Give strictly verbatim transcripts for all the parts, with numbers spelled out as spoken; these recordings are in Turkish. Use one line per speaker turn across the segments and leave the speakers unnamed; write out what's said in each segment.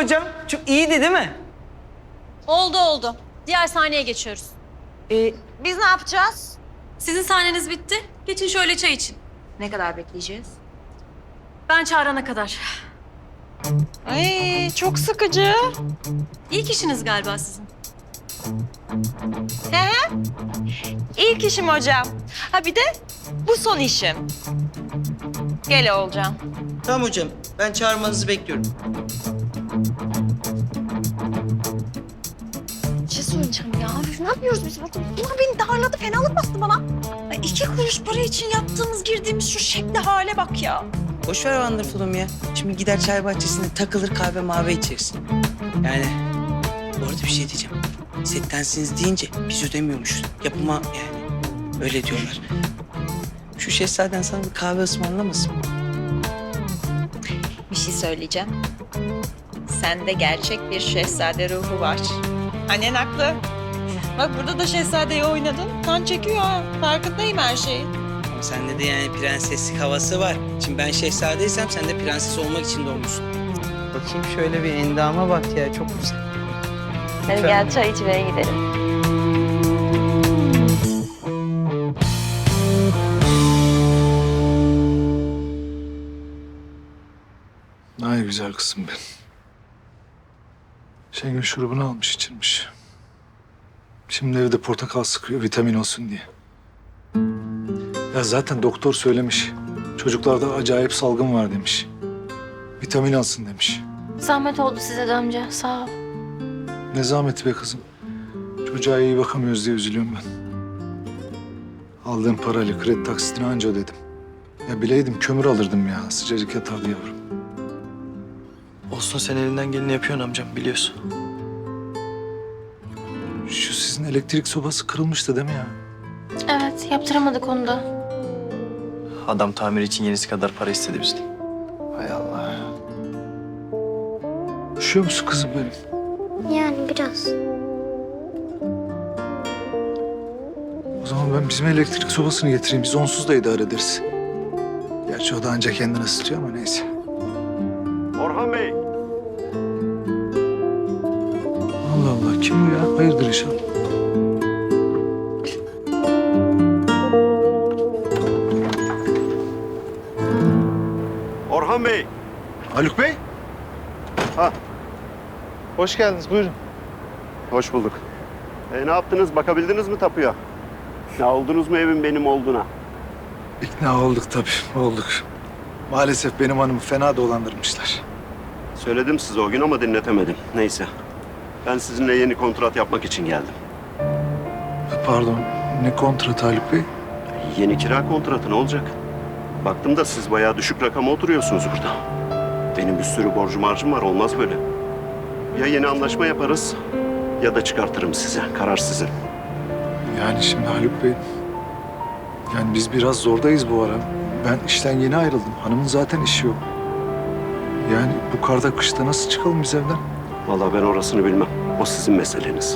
hocam? Çok iyiydi değil mi?
Oldu oldu. Diğer sahneye geçiyoruz.
Ee,
Biz ne yapacağız?
Sizin sahneniz bitti. Geçin şöyle çay için.
Ne kadar bekleyeceğiz?
Ben çağırana kadar.
Ay çok sıkıcı.
İlk işiniz galiba sizin.
He he. İlk işim hocam. Ha bir de bu son işim. Gel Oğulcan.
Tamam hocam. Ben çağırmanızı bekliyorum.
Bir şey söyleyeceğim ya. Ne yapıyoruz biz burada? Bunlar beni darladı. Fenalık bastı bana. Ay, iki kuruş para için yaptığımız, girdiğimiz şu şekli hale bak ya.
Boş ver Wonderful'um ya. Şimdi gider çay bahçesinde takılır kahve mavi içersin. Yani bu arada bir şey diyeceğim. Settensiniz deyince biz ödemiyormuşuz. Yapıma yani öyle diyorlar. Şu şehzaden sana bir kahve ısmarlamasın mı?
Bir şey söyleyeceğim. Sende gerçek bir şehzade ruhu var. Annen haklı. Bak burada da şehzadeyi oynadın. Kan çekiyor ha. Farkındayım her şeyin.
Ama sende de yani prenseslik havası var. Şimdi ben şehzadeysem sen de prenses olmak için doğmuşsun. Bakayım şöyle bir endama bak ya çok güzel.
Hadi gel çay içmeye gidelim.
Ay güzel kızım benim. Şengül şurubunu almış içirmiş. Şimdi evde portakal sıkıyor vitamin olsun diye. Ya zaten doktor söylemiş. Çocuklarda acayip salgın var demiş. Vitamin alsın demiş.
Zahmet oldu size de amca. Sağ ol.
Ne zahmeti be kızım. Çocuğa iyi bakamıyoruz diye üzülüyorum ben. Aldığım parayla kredi taksitini anca ödedim. Ya bileydim kömür alırdım ya. Sıcacık yatardı yavrum.
Olsun sen elinden geleni yapıyorsun amcam biliyorsun.
Şu sizin elektrik sobası kırılmıştı değil mi ya?
Evet, yaptıramadık onu da.
Adam tamir için yenisi kadar para istedi bizden.
Hay Allah. Üşüyor musun kızım benim?
Yani biraz.
O zaman ben bizim elektrik sobasını getireyim. Biz onsuz da idare ederiz. Gerçi o da ancak kendini ısıtıyor ama neyse.
Orhan Bey.
Allah Allah kim bu ya? Hayırdır inşallah.
Orhan Bey.
Haluk Bey.
Ha,
Hoş geldiniz buyurun.
hoş bulduk. E, ne yaptınız? Bakabildiniz mi tapuya? Ne oldunuz mu evin benim olduğuna?
İkna olduk tabii olduk. Maalesef benim hanımı fena dolandırmışlar.
Söyledim size o gün ama dinletemedim. Neyse. Ben sizinle yeni kontrat yapmak için geldim.
Pardon ne kontratı Haluk Bey?
Yeni kira kontratı ne olacak? Baktım da siz bayağı düşük rakama oturuyorsunuz burada. Benim bir sürü borcum harcım var. Olmaz böyle. Ya yeni anlaşma yaparız ya da çıkartırım size. Karar sizin.
Yani şimdi Haluk Bey... Yani biz biraz zordayız bu ara. Ben işten yeni ayrıldım. Hanımın zaten işi yok. Yani bu karda kışta nasıl çıkalım biz evden?
Vallahi ben orasını bilmem. O sizin meseleniz.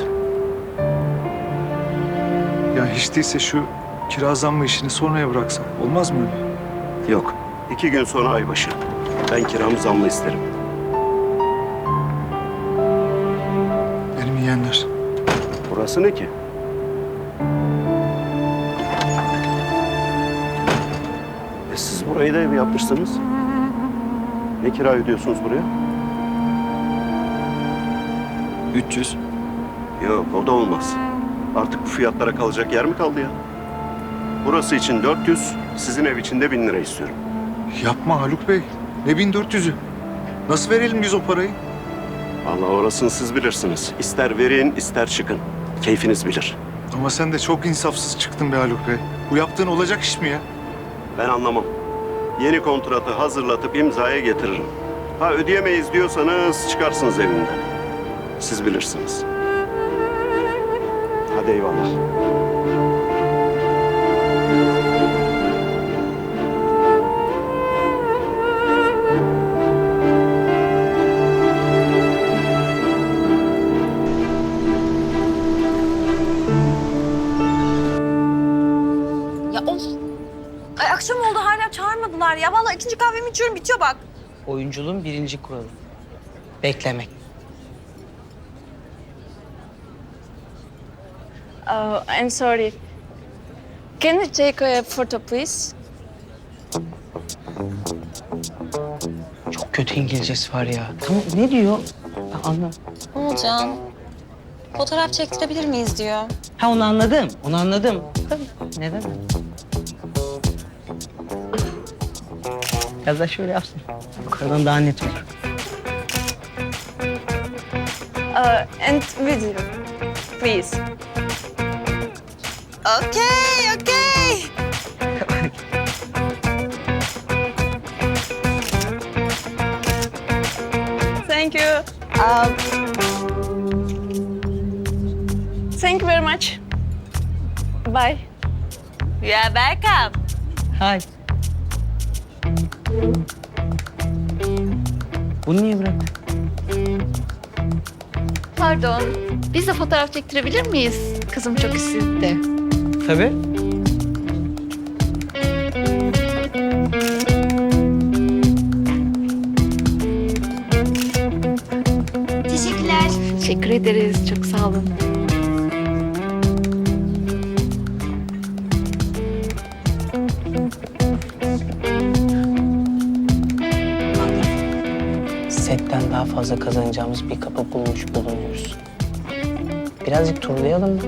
Ya hiç değilse şu kira zammı işini sonraya bıraksak. Olmaz mı öyle?
Yok. İki gün sonra aybaşı. Ben kiramı zamlı isterim.
Benim yeğenler.
Burası ne ki? E siz burayı da ev yapmışsınız. Ne kira ödüyorsunuz buraya?
üç yüz.
Yok o da olmaz. Artık bu fiyatlara kalacak yer mi kaldı ya? Burası için dört yüz, sizin ev için de bin lira istiyorum.
Yapma Haluk Bey. Ne bin dört yüzü? Nasıl verelim biz o parayı?
Vallahi orasını siz bilirsiniz. İster verin, ister çıkın. Keyfiniz bilir.
Ama sen de çok insafsız çıktın be Haluk Bey. Bu yaptığın olacak iş mi ya?
Ben anlamam. Yeni kontratı hazırlatıp imzaya getiririm. Ha ödeyemeyiz diyorsanız çıkarsınız evimden. Siz bilirsiniz. Hadi eyvallah.
Ya of. Ay akşam oldu hala çağırmadılar ya. Vallahi ikinci kahvemi içiyorum bitiyor bak.
Oyunculuğun birinci kuralı. Beklemek.
Oh, I'm sorry. Can we take a photo, please?
Çok kötü İngilizcesi var ya. Tamam ne diyor? Ben anlamadım.
Olcan, fotoğraf çektirebilir miyiz diyor.
Ha onu anladım. Onu anladım. Tabii. Neden? Biraz da şöyle yapsın. Yukarıdan daha net olur.
Uh, and video, please.
Okey, okey.
Thank you. Um, thank you very much. Bye.
You are welcome.
Hay. Bunu niye bıraktın?
Pardon. Biz de fotoğraf çektirebilir miyiz? Kızım çok istedi.
Tabii.
Teşekkürler. Teşekkür ederiz. Çok sağ olun.
Setten daha fazla kazanacağımız bir kapı bulmuş bulunuyoruz. Birazcık turlayalım mı?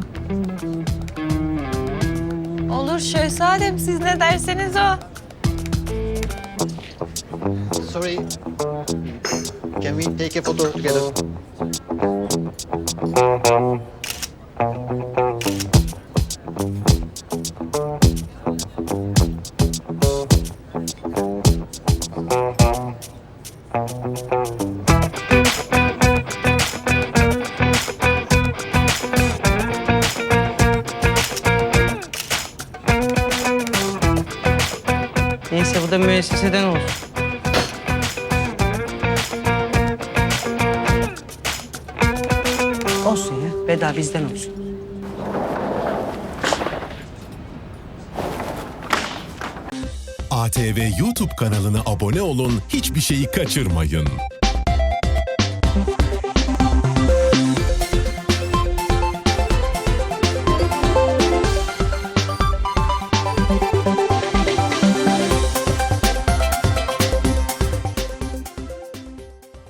Olur şehzadem, siz ne derseniz o.
Sorry. Can we take a photo together?
Neyse bu da müesseseden olsun. Olsun ya. Veda bizden olsun.
A T V YouTube kanalına abone olun, hiçbir şeyi kaçırmayın.